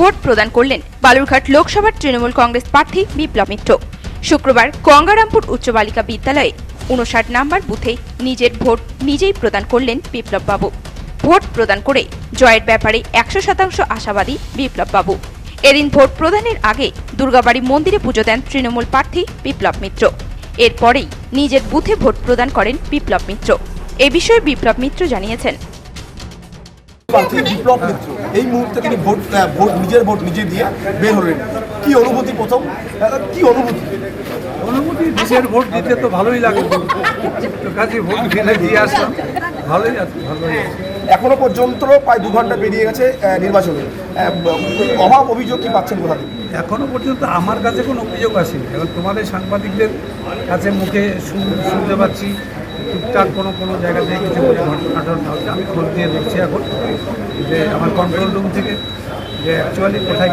Vote প্রদান করলেন বালুরঘাট লোকসভার তৃণমূল কংগ্রেস প্রার্থী বিপ্লব মিত্র। শুক্রবার গঙ্গারামপুর উচ্চ বালিকা বিদ্যালয়ে 59 নম্বর বুথে নিজের ভোট নিজেই প্রদান করলেন বিপ্লব বাবু। ভোট প্রদান করে জয়ের ব্যাপারে 100% আশাবাদী বিপ্লব বাবু। এদিন ভোট প্রদানের আগে দুর্গাবাড়ি মন্দিরে পুজো দেন তৃণমূল প্রার্থী বিপ্লব মিত্র। এরপরেই নিজের বুথে ভোট প্রদান করেন বিপ্লব মিত্র। এ বিষয়ে বিপ্লব মিত্র জানিয়েছেন, বিপ্লব মিত্র এই মুহূর্তে তিনি নিজের ভোট নিজে দিয়ে বের হলেন। কি অনুভূতি? প্রথম কি অনুভূতি? নিজের ভোট দিতে তো ভালোই লাগে, কাজে ভোট দিয়ে আসলাম, ভালোই আছে। এখনো পর্যন্ত প্রায় 2 ঘন্টা পেরিয়ে গেছে নির্বাচনে, অভাব অভিযোগ কি পাচ্ছেন কোথা থেকে? এখনো পর্যন্ত আমার কাছে কোনো অভিযোগ আসেনি। এখন তোমাদের সাংবাদিকদের কাছে মুখে শুনতে পাচ্ছি টুকটাক কোনো জায়গা থেকে কিছু ঘটনা হচ্ছে। আমি খোঁজ দিয়ে দেখছি এখন যে আমার কন্ট্রোল রুম থেকে যে অ্যাকচুয়ালি কোথায়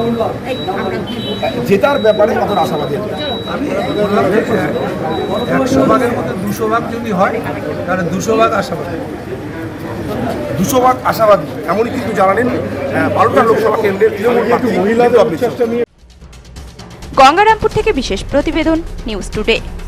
জেতার ব্যাপারে কত আশাবাদী? আমি বললাম যে 100 ভাগের মধ্যে 200 ভাগ যদি হয় তাহলে 200 ভাগ আশাবাদী। 200 ভাগ আশাবাদী এমনই কিন্তু জানালেন বালুরঘাট লোকসভা কেন্দ্রের তৃণমূল প্রার্থী বিপ্লব মিত্র। গঙ্গারামপুর থেকে বিশেষ প্রতিবেদন, নিউজ টুডে।